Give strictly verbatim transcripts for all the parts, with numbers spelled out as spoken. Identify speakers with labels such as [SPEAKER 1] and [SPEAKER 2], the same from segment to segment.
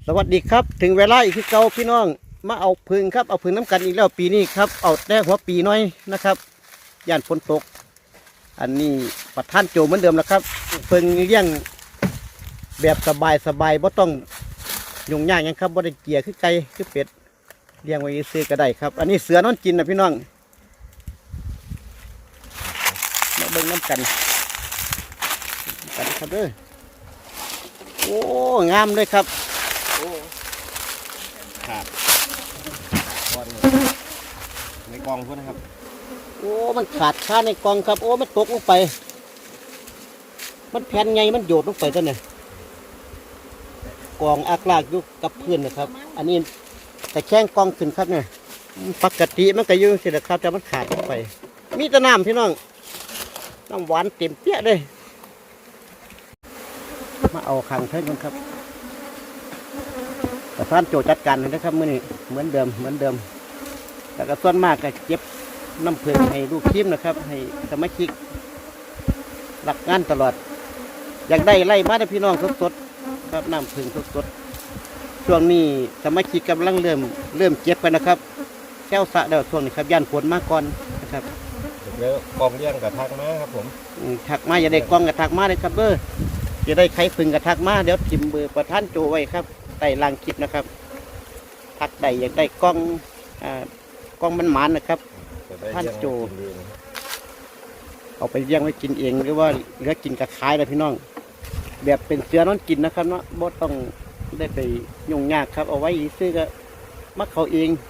[SPEAKER 1] สวัสดีครับถึงเวลาอีกที่เก่าพี่น้องมาเอาพึ่งครับเอาพึ่งน้ำกันอีกแล้วปีนี้ครับเอาแน่หัวปีน้อยนะครับย่านฝนตกอันนี้ประท่านโจเหมือนเดิมแล้วครับพึ่งเลี้ยงแบบสบายสบายบ่ต้องยุ่งยากยังครับบ่ได้เกลี่ยคือไก่คือเป็ดเลี้ยงไว้ซื้อก็ได้ครับอันนี้เสือนอนกินนะพี่น้องมาเบิ่งน้ำกันกันครับเด้อโอ้งามเลยครับ
[SPEAKER 2] ขาดก้อนในกองพวกนะครับ
[SPEAKER 1] โอ้มันขาดค่าในกองครับโอ้มันตกลงไปมันแผ่นไงมันโยดลงไปตัวเนี่ยกองอากลากอยู่กับพื้นนะครับอันนี้แต่แข้งกองขึ้นครับเนี่ยปกติมันก็อยู่สินะครับแต่มันขาดลงไปมีแต่น้ำพี่น้องน้ำหวานเต็มเปี้ยเลยมาเอาขังเท่านั้นครับแต่ท่านโจจัดการเลยนะครับมื่อนี้เหมือนเดิมเหมือนเดิมแต่ก็ส่วนมากก็เก็บน้ำผึ้งให้ลูกทีมนะครับให้สมาชิกหลักงานตลอดอยากได้ไล่มาได้พี่น้องสดๆครับน้ำผึ้งสดๆช่วงนี้สมาชิกกำลังเริ่มเริ่มเก็บกันนะครับแก้วสะเดี๋ยวช่วงนี้ครับย่านฝนมาก่อนนะครับ
[SPEAKER 2] แล้วกองเลี้ยงกับทักมาครับผม
[SPEAKER 1] ถักมาอย่าได้กองกับถักมาเลยครับเบอร์จะได้ไข่ผึ้งกับถักมาเดี๋ยวทิมเบอร์ประท่านโจไว้ครับใต้ล่างคลิปนะครับทักได้อยากได้กล้องอ่ากล้องมันหมานนะครับท่านโจเอาไปเลี้ยงไว้กินเองหรือว่าเหลือกินกับขายเลยพี่น้องแบบเป็นเสือนอนกินนะครับเนาะบ่ต้องได้ไปยุ่งยากครับเอาไว้ซื้อก็มักเขาเอง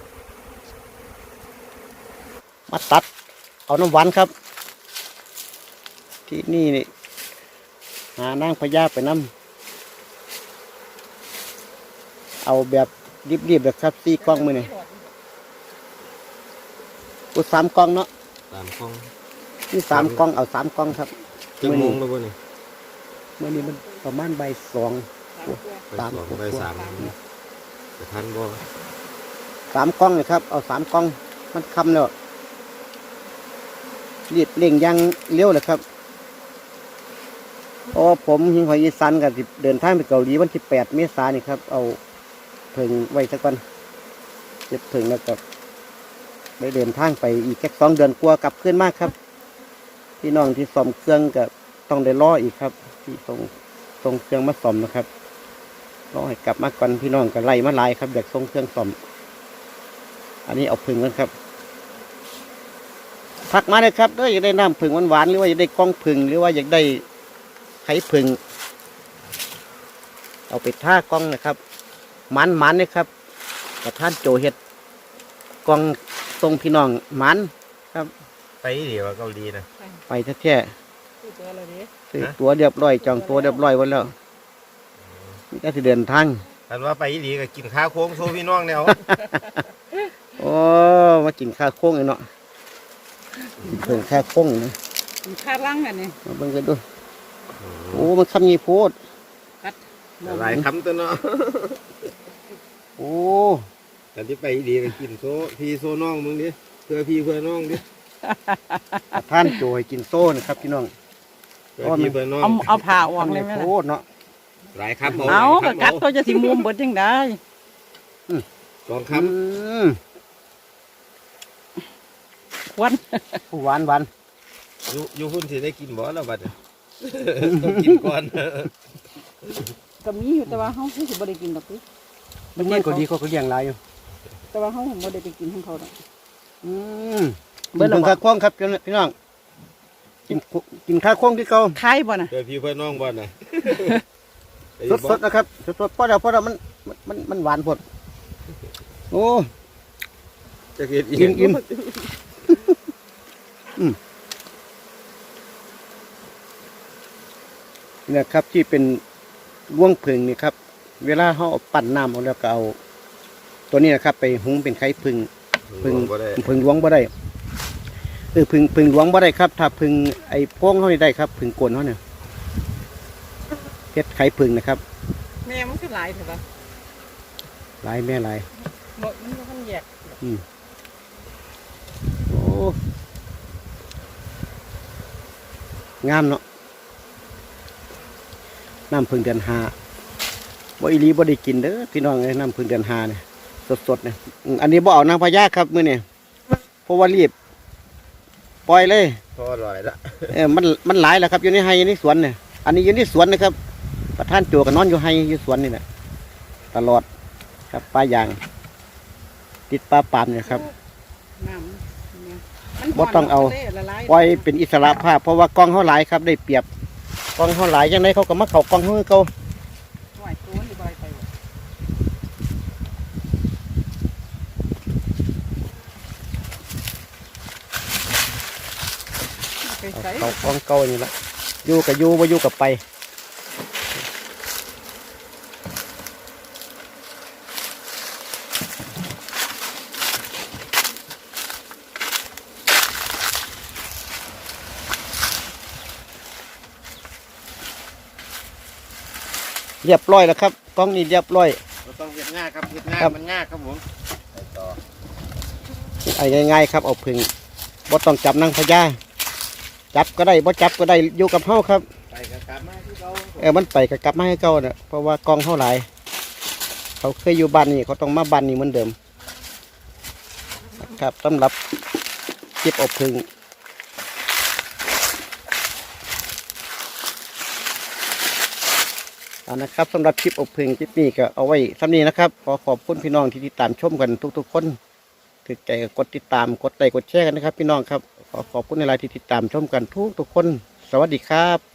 [SPEAKER 1] มาตัดเอาน้ำหวานครับที่นี่นี่หานางพญาไปน้ำเอาแบบรีบๆแบบครับสี่กล้องมือนี่กูสามกล้องเนาะ
[SPEAKER 2] สามกล้อง
[SPEAKER 1] นี่สามกล้องเอาสามกล้องครับ
[SPEAKER 2] เมื่อนี้เมื่อนี้
[SPEAKER 1] เมื่อนี้มันประมาณใบสอง
[SPEAKER 2] สามใบสามแต่ท่านบ่
[SPEAKER 1] สามกล้องเลยครับเอาสามกล้องมันคำแล้วรีบเร่งยังเลี้ยวเลยครับเพราะผมหิงหอยอีสานกับเดินทางไปเกาหลีวันที่แปดเมษายนนี่ครับเอาเพิ่งไว้สักวันเก็บเพิ่งแล้วก็ไปเดินทางไปอีกแค่สองเดือนกลัวกลับขึ้นมากครับพี่น้องที่ซ่อมเครื่องก็ต้องได้รออีกครับที่ส่งส่งเครื่องมาซ่อมนะครับรอให้กลับมาก่อนพี่น้องก็ไล่มาไล่ครับอยากส่งเครื่องซ่อมอันนี้เอาเพิ่งกันครับทักมาเลยครับอยากได้น้ำผึ่งหวานๆหรือว่าอยากได้กล้องผึ่งหรือว่าอยากได้ไข่ผึ่งเอาไปท่ากล้องนะครับมันมันเลยครับกับท่านโจเห็ดกล้องทรงพี่น้องมันครับ
[SPEAKER 2] ไปเดี๋ยวเกาหลีนะ
[SPEAKER 1] ไปแท้ๆซื้อตัวเรียบร้อยจองตัวเรียบร้อยไว้แล้วนี่ก็จะเดินทาง
[SPEAKER 2] อันว่าไปดีก็กินข้าวโค้งโซพี่น้องแล้ว
[SPEAKER 1] โอ้มากินข้าวโค้งเลยเนาะเพิ่งแค่โค้งนะ
[SPEAKER 3] ข้าล่างกันนี่
[SPEAKER 1] มาเบิ่งกันดูโอ้มันคำยีโพด
[SPEAKER 2] หลายคำตัวเนาะ
[SPEAKER 1] โอ้
[SPEAKER 2] แต่ที่ไปดีก็กินโซพี่โซน้องมึงดิเพื่อพี่เพื่อน้องดิ
[SPEAKER 1] ท่านโจยกินโซ่นะครับพี่น้อง
[SPEAKER 2] เพื่อพี่เพื่อน้อง
[SPEAKER 3] เอาเอาผ่าออกเลยไหม
[SPEAKER 1] โพดเนาะ
[SPEAKER 2] หลายคำ
[SPEAKER 3] เอากัดตัวจะสิมุมเบิดยังได้
[SPEAKER 2] สองค
[SPEAKER 1] ำ
[SPEAKER 3] หวาน
[SPEAKER 1] หวานหวาน
[SPEAKER 2] อยู่อยู่หุ่นที่ได้กินบ่แล้วบัดต้องกินก่อน
[SPEAKER 3] ก็มีอยู่แต่ว่าเขาไม่สิบ่ได้กินหรอกพี่
[SPEAKER 1] มันเลี้ยงก็ดีเขาก็เลี้ยงหลายอยู่
[SPEAKER 3] แต่ว่าเขาบ่ได้ไปกินของเขาหรอก
[SPEAKER 1] อืมเบิ่งข้าวโค้งครับพี่น้องกินกินข้าวโค้งที่เขา
[SPEAKER 3] คล้ายบ่น่ะ
[SPEAKER 2] เพื่อพี่เพื่อน้องบ่น่ะ
[SPEAKER 1] สดๆนะครับสดๆเพราะเดี๋ยวเพราะเดี๋ยวมันมันมันหวานพดโอ้
[SPEAKER 2] จะกิน
[SPEAKER 1] อิ่มอิ่มเนี่ยครับที่เป็นร่วงผึ่งนี่ครับเวลาเขาปั่นน้ำเอาแล้วก็เอาตัวนี้นะครับไปหุงเป็นไข่ผึ่งผึ่งผึ่งล้วงบ่ได้เออผึ่งผึ่งล้วงบ่ได้ครับถ้าผึ่งไอ้โป้งเขาได้ครับผึ่งโกนเขาเนี่ยเพชรไข่ผึ่งนะครับ
[SPEAKER 3] แม่มันก็หลายถูกปะ
[SPEAKER 1] หลายแม่หลาย
[SPEAKER 3] หมดมันก็มันแยก
[SPEAKER 1] อืมโอ้งามเนาะน้ำผึ้งเดือนห้าบ่อีหลีบ่ได้กินเด้อพี่น้องเอ้ยน้ำพึ่งเดือนห้าเนี่ยสดๆเนี่ยอืมอันนี้บ่เอานางพญาครับมื้อนี้เพราะว่ารีบปล่อยเลย
[SPEAKER 2] พออร่อยละ
[SPEAKER 1] เออมันมันหลายแล้วครับอยู่ในไฮอยู่ในสวนเนี่ยอันนี้อยู่ในสวนนะครับประธานโจก็นอนอยู่ไฮอยู่สวนนี่แหละตลอดครับปลายาง ติดปลาปามเนี่ยครับ
[SPEAKER 3] น้ำเนี่ยมัน
[SPEAKER 1] บ่ต้องเอา
[SPEAKER 3] ทะลละลาย
[SPEAKER 1] ปล่อยเป็นอิสระภาพเพราะว่ากล้องเขาหลายครับได้เปรียบกล้องเขาหลายยังไงเขาก็มาเข้ากล้องเขาคือเขา
[SPEAKER 3] ไหวตัวนี่บ่ได้ไปว่ะไปใส่
[SPEAKER 1] เขากล้องเก่านี่ละอยู่กับอยู่บ่อยู่กับไปเรียบร้อยแล้วครับกล้องนี้เรียบร้อย
[SPEAKER 2] เราต้องเห็ดง่ายครับเห็ดง่าย
[SPEAKER 1] ครับ
[SPEAKER 2] มันง่ายครับผมไปต่อ
[SPEAKER 1] ไอ้ง่ายๆครับเอาพึ่งบ่ต้องจับนางพญาจับก็ได้บ่จับก็ได้อยู่กับเฮาครับ
[SPEAKER 2] ไปกันกลับมาที่เรา
[SPEAKER 1] เออมันไปก็กลับมาให้เก่าเนี่ยเพราะว่ากล้องเฮาหลายเขาเคยอยู่บ้านนี่เขาต้องมาบ้านนี่เหมือนเดิมครับสำหรับคลิปอบพึ่งเอานะครับสำหรับคลิปอบพึ่งคลิปนี้ก็เอาไว้สำนี้นะครับขอขอบคุณพี่น้องที่ติดตามชมกันทุกๆคนถือใจก็กดติดตามกดไลค์กดแชร์กันนะครับ พี่น้องครับขอขอบคุณในไลน์ที่ติดตามชมกันทุกๆคนสวัสดีครับ